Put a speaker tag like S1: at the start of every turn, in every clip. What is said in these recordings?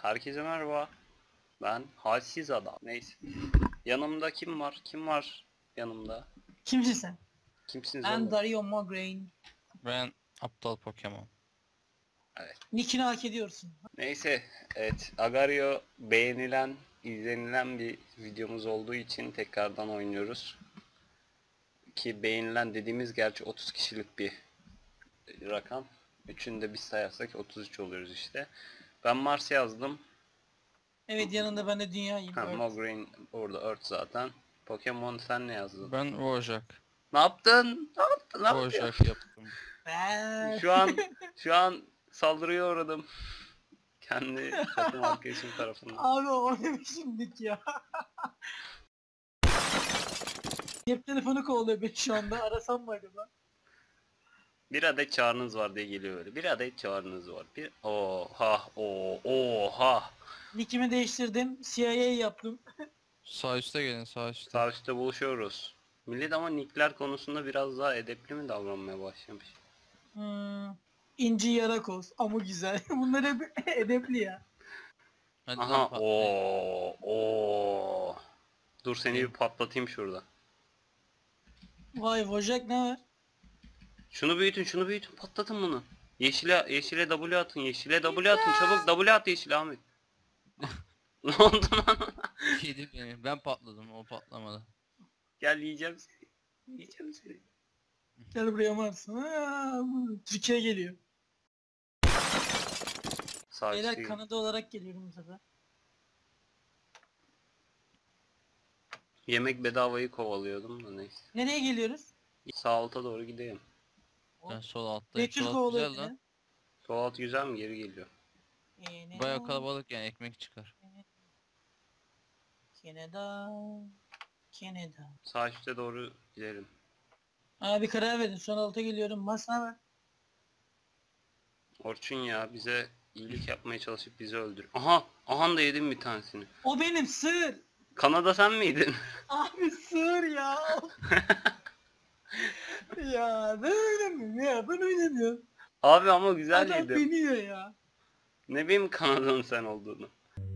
S1: Herkese merhaba. Ben halsiz adam. Neyse. Yanımda kim var? Kim var yanımda?
S2: Kimsin sen?
S1: Kimsiniz
S2: Ben
S1: oğlum?
S2: Dario Mograine.
S3: Ben aptal Pokemon.
S1: Evet.
S2: Nickini hak ediyorsun.
S1: Neyse. Evet. Agario beğenilen, izlenilen bir videomuz olduğu için tekrardan oynuyoruz. Ki beğenilen dediğimiz gerçi 30 kişilik bir rakam. Üçünü de biz sayarsak 33 oluyoruz işte. Ben Mars yazdım.
S2: Evet, yanında ben de dünyayım.
S1: Ha,
S2: Evet.
S1: Mograine orada Earth zaten. Pokemon sen ne yazdın?
S3: Ben Wojak.
S1: Ne yaptın? Ne yaptın? Ne yaptın?
S3: Wojak yaptım.
S1: Şu an saldırıya uğradım. Kendi takım arkadaşım tarafından.
S2: Abi o ne biçim nick ya? Cep telefonu kovalıyor beni şu anda. Arasam mı acaba?
S1: Bir adet çağrınız var diye geliyor öyle. Bir adet çağrınız var. Bir oha.
S2: Nickimi değiştirdim. CIA yaptım.
S3: Sağ üstte gelin, sağ üstte.
S1: Sağ üstte buluşuyoruz. Millet ama nickler konusunda biraz daha edepli mi davranmaya başlamış?
S2: İnci Yarakoz. Ama güzel. Bunlar hep edepli ya.
S3: Hadi
S1: Aha
S3: lan patlayın.
S1: o. Dur seni bir patlatayım şurada.
S2: Vay Wojak ne var?
S1: Şunu büyütün patlatın bunu. Yeşile W atın, yeşile W atın, çabuk W at yeşile Ahmet. Ne oldu lan?
S3: Yedi beni. Ben patladım, o patlamadı.
S1: Gel yiyeceğim seni. Yiyeceğim seni.
S2: Gel buraya Mars. Türkiye geliyor.
S1: Sağ
S2: Beyler
S1: üstte.
S2: Kanada olarak geliyorum bu sefer.
S1: Yemek bedavayı kovalıyordum da neyse.
S2: Nereye geliyoruz?
S1: Sağ alta doğru gideyim.
S3: Ben sol alttayım.
S2: Betül
S3: Sol alt
S2: kovalıyor
S3: güzel lan.
S2: beni.
S1: Sol alt güzel mi? Geri geliyor.
S3: Baya kalabalık yani, ekmek çıkar.
S2: Canada. Canada.
S1: Sağ üstte doğru gidelim.
S2: Abi karar verin. Son alta geliyorum. Masa var.
S1: Orçun ya bize iyilik yapmaya çalışıp bizi öldür. Aha da yedim bir tanesini.
S2: O benim sığır.
S1: Kanada sen miydin?
S2: Abi sığır ya. Ya ben oynamıyorum ya. Ben oynamıyorum.
S1: Abi ama güzel
S2: Adam
S1: yedim.
S2: beni yiyor ya.
S1: Ne bileyim Kanada'nın sen olduğunu.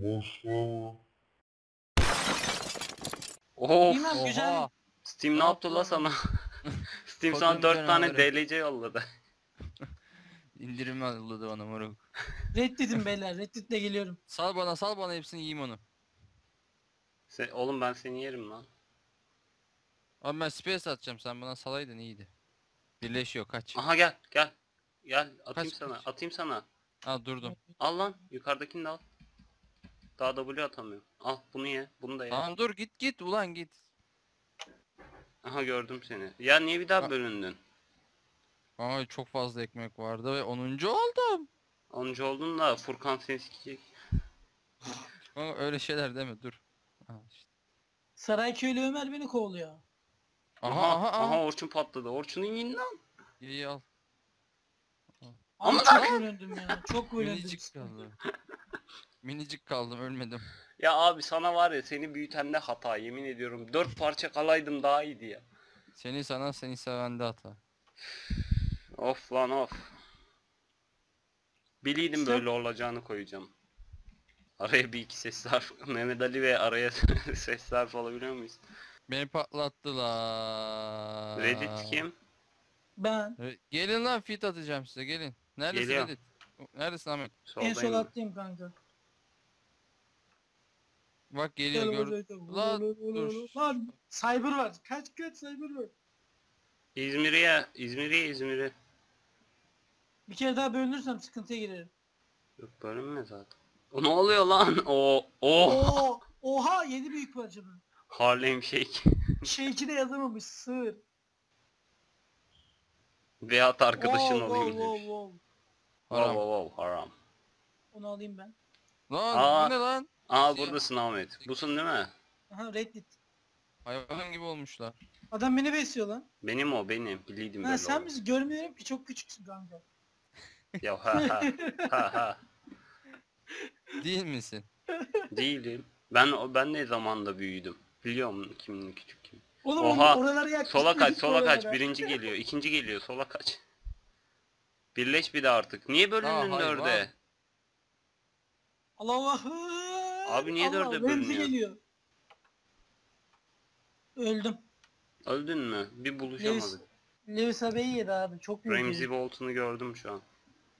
S1: Of.
S2: Bilmem güzel.
S3: Oha!
S1: Steam ne
S3: Ne
S1: yaptı
S3: yaptı
S1: la
S3: lan?
S1: sana? Steam sana
S3: Kodum
S1: 4 tane
S3: canavarı.
S1: DLC yolladı.
S3: İndirim yolladı bana moruk.
S2: Reddedin beyler. Redditle geliyorum.
S3: Sal bana hepsini, yiyeyim onu.
S1: Oğlum ben seni yerim lan.
S3: Abi ben space atacağım, sen bana salaydın iyiydi. Birleşiyor, kaç.
S1: Aha gel. Gel atayım
S3: Kaç,
S1: sana.
S3: kaç.
S1: Atayım sana.
S3: Aa, durdum.
S1: Al lan yukarıdakini de al. Daha W atamıyorum. Al bunu ye. Bunu da ye.
S3: Tamam dur, git ulan git.
S1: Aha gördüm seni. Ya niye bir daha
S3: Ha.
S1: bölündün?
S3: Ama çok fazla ekmek vardı ve 10. oldum.
S1: 10. oldun da Furkan seni sikecek.
S3: Ama öyle şeyler deme, dur. Aha, işte.
S2: Sarayköylü Ömer beni kovalıyor.
S3: Aha.
S1: Orçun patladı. Orçun'un yiyin lan.
S3: İyi al.
S2: Ama
S1: Ama
S2: çok bölündüm ya. Çok bölündüm.
S3: Minicik kaldı. Minicik kaldım, ölmedim.
S1: Ya abi sana var ya seni büyütende hata yemin ediyorum. 4 parça kalaydım daha iyiydi ya.
S3: Seni sevende hata.
S1: Of lan of. Biliydim
S2: Sen-
S1: böyle olacağını koyacağım. Araya bir iki ses harf. Mehmet Ali ve araya ses harf alabiliyor muyuz?
S3: Beni patlattılar.
S1: Reddit kim?
S2: Ben
S3: Gelin lan, fit atacağım size, gelin. Neredesin
S1: Geliyor.
S3: Reddit? Neredesin Ahmet?
S2: en sol
S1: Soldayım.
S2: attayım kanka.
S3: Bak geliyor, gör. Lan dur.
S2: Lan cyber var. Kaç cyber var.
S1: İzmir'i.
S2: Bir kere daha bölünürsem sıkıntıya girerim.
S1: Yok bölünme zaten. O ne oluyor lan? Oh.
S2: Oha 7 büyük parça bu.
S1: Harlem Shake.
S2: Şeyki de yazamamış sığır.
S1: Veyahut arkadaşın
S2: Wow,
S1: olayım
S2: wow,
S1: demiş.
S2: wow.
S1: Wow wow haram.
S2: Onu alayım ben.
S3: Lan
S1: Aa.
S3: bu ne lan?
S1: Aa
S3: Siyah.
S1: buradasın Ahmet. Busun değil mi?
S2: Aha Reddit.
S3: Hayvan gibi olmuşlar.
S2: Adam beni besliyor lan.
S1: Benim o benim. Biliydim
S2: Ha
S1: böyle
S2: sen
S1: olur.
S2: bizi görmüyorum ki çok küçüksün kanka.
S1: Ya ha.
S3: Değil misin?
S1: Değilim. Ben ne zamanda büyüdüm. Biliyor musun kimin küçük kim?
S2: Oğlum
S1: Oha,
S2: oralara yaklaşık.
S1: Sola kaç, sola kaç.
S2: oralara.
S1: Birinci geliyor, ikinci geliyor. Sola kaç. Birleş bir de artık. Niye bölündün
S3: hayvan.
S1: dörde?
S2: Allah Allah.
S1: Abi niye dörde
S2: Remzi
S1: bölünüyor?
S2: geliyor. Öldüm.
S1: Öldün mü? Bir buluşamadık.
S2: Lewis abeyi yedi abi. Çok büyük
S1: Ramsey
S2: herif.
S1: Bolton'u gördüm şu an.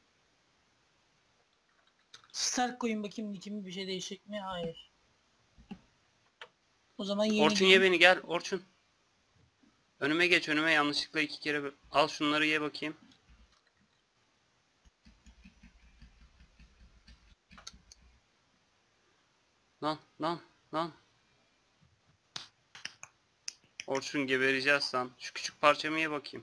S2: Stark koyun bakayım nickimi bir şey değişecek mi? Hayır. O zaman yeni
S1: Orçun ye beni, gel Orçun. Önüme geç, önüme yanlışlıkla 2 kere al şunları ye bakayım. Lan lan lan. Orçun gebereceğiz lan. Şu küçük parçamı ye bakayım.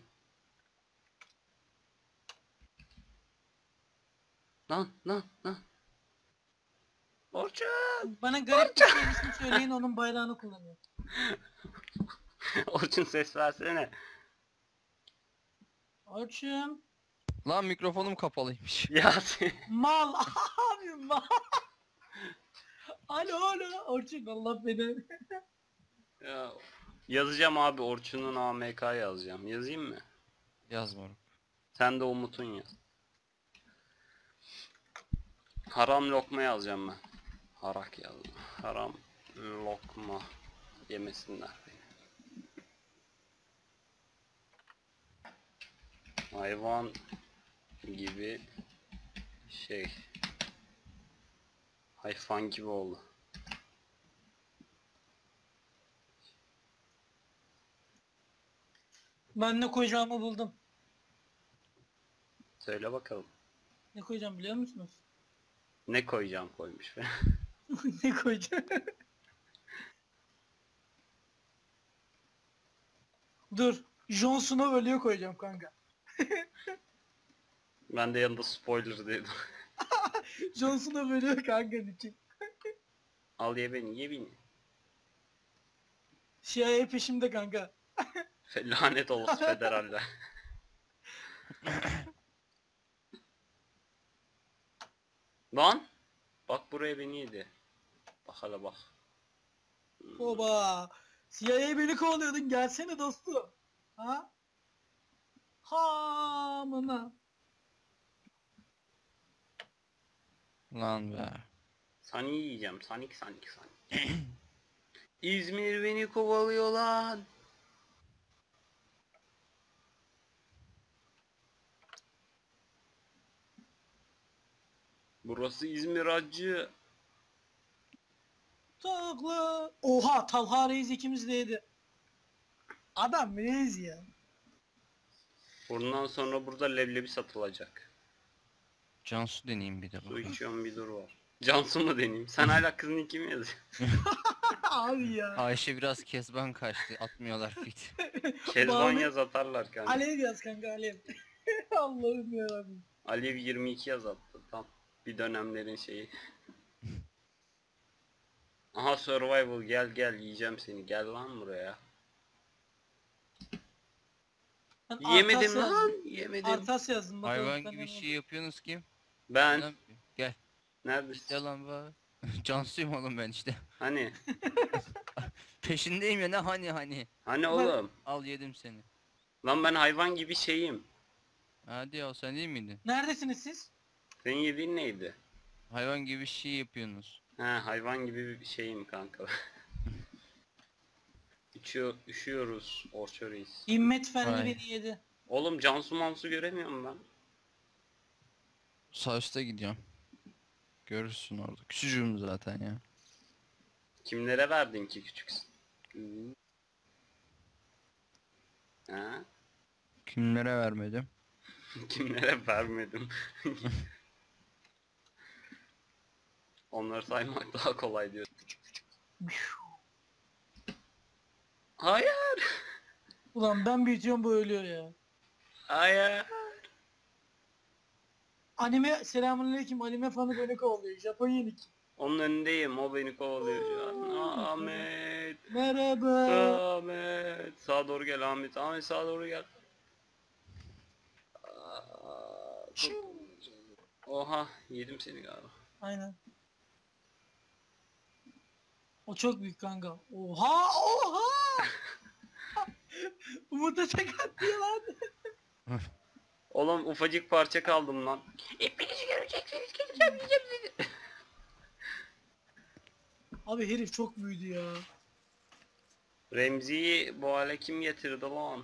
S1: Lan lan lan. Orçun.
S2: Bana garip bir şeyini söyleyin onun bayrağını kullanıyor.
S1: Orçun ses versene.
S2: Orçun.
S3: Lan mikrofonum kapalıymış.
S1: Ya sen-
S2: Mal abi mal. Alo alo Orçun Allah beni.
S1: Ya, yazacağım abi, Orçun'un AMK yazacağım. Yazayım mı?
S3: Yazmıyorum.
S1: Sen de Umut'un yaz. Haram lokma yazacağım ben. Harak yazdım. Haram lokma yemesinler beni. Hayvan gibi şey. Hayvan gibi oldu.
S2: Ben ne koyacağımı buldum.
S1: Söyle bakalım.
S2: Ne koyacağım biliyor musunuz?
S1: Ne koyacağım koymuş be.
S2: Ne koyacağım? Dur. Jon Snow ölüyor koyacağım kanka.
S1: Ben de yanında spoiler dedim.
S2: Jon Snow ölüyor kanka için.
S1: Al ye beni, ye beni.
S2: CIA peşimde kanka.
S1: Lanet olası federaller. Lan! Bak buraya beni yedi. Bak hala bak.
S2: Oba. CIA beni kovalıyordun gelsene dostum. Ha? Hamına.
S3: Lan be.
S1: Sani yiyeceğim. Sanik. İzmir beni kovalıyor lan. Burası İzmir acı.
S2: Takla. Oha Talha Reis ikimiz de yedi. Adam reis ya.
S1: Bundan sonra burada leblebi satılacak.
S3: Cansu deneyeyim bir de
S1: Su
S3: bakalım.
S1: içiyorum, bir dur var. Cansu mu deneyeyim? Sen hala kızın iki mi yazıyorsun?
S2: Abi ya.
S3: Ayşe biraz kezban kaçtı. Atmıyorlar fit.
S1: Kezban
S2: Banu-
S1: yaz atarlar kanka.
S2: Alev yaz kanka Alev. Allah'ım yarabbim.
S1: Alev 22 yaz attı tam. Bir dönemlerin şeyi. Aha survival, gel yiyeceğim seni. Gel lan buraya.
S2: Ben
S1: Yemedim
S2: Artas
S1: lan.
S2: yazdım.
S1: Yemedim.
S2: Artas yazdım bakalım.
S3: Hayvan
S2: ben
S3: gibi
S2: ne
S3: şey yapıyorsunuz kim?
S1: Ben.
S3: Lan, gel.
S1: Neredesin?
S3: Gel lan bak. Cansu'yum oğlum ben işte.
S1: Hani?
S3: Peşindeyim ya ne hani.
S1: Hani oğlum?
S3: Al yedim seni.
S1: Lan ben hayvan gibi şeyim.
S3: Hadi ya sen değil miydin?
S2: Neredesiniz siz?
S1: Senin yediğin neydi?
S3: Hayvan gibi şey yapıyorsunuz.
S1: Ha, hayvan gibi bir şeyim kanka. Üşüyoruz Orço Reis.
S2: İmmet Fendi
S3: Vay.
S2: beni yedi.
S1: Oğlum Cansu Mansu göremiyorum ben.
S3: Sağ üstte gidiyorum. Görürsün orada. Küçücüğüm zaten ya.
S1: Kimlere verdin ki küçüksün? Ha?
S3: Kimlere vermedim?
S1: Kimlere vermedim? Onları saymak daha kolay diyor. Hayır.
S2: Ulan ben büyütüyorum bu ölüyor ya.
S1: Hayır.
S2: Anime selamünaleyküm anime fanı beni kovalıyor. Japon yenik.
S1: Onun önündeyim. O beni kovalıyor şu an. Ahmet.
S2: Merhaba.
S1: Ahmet. Sağa doğru gel Ahmet. Ahmet sağa doğru gel. Aa, Oha, yedim seni galiba.
S2: Aynen. O çok büyük kanka. Oha oha. Umut'a tek attı ya lan.
S1: Oğlum ufacık parça kaldım lan. Hepinizi göreceksiniz.
S2: Abi herif çok büyüdü ya.
S1: Remzi'yi bu hale kim getirdi lan?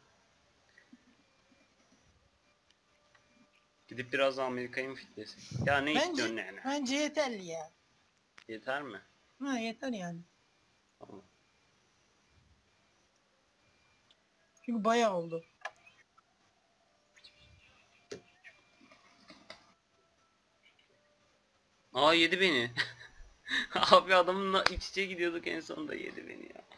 S1: Gidip biraz Amerika'yı mı fitlesek? Ya ne istiyorsun yani?
S2: Bence yeterli ya.
S1: Yeter mi?
S2: Ha yeter yani.
S1: Tamam.
S2: Çünkü bayağı oldu.
S1: Aa yedi beni. Abi adamınla iç içe gidiyorduk en sonunda yedi beni ya.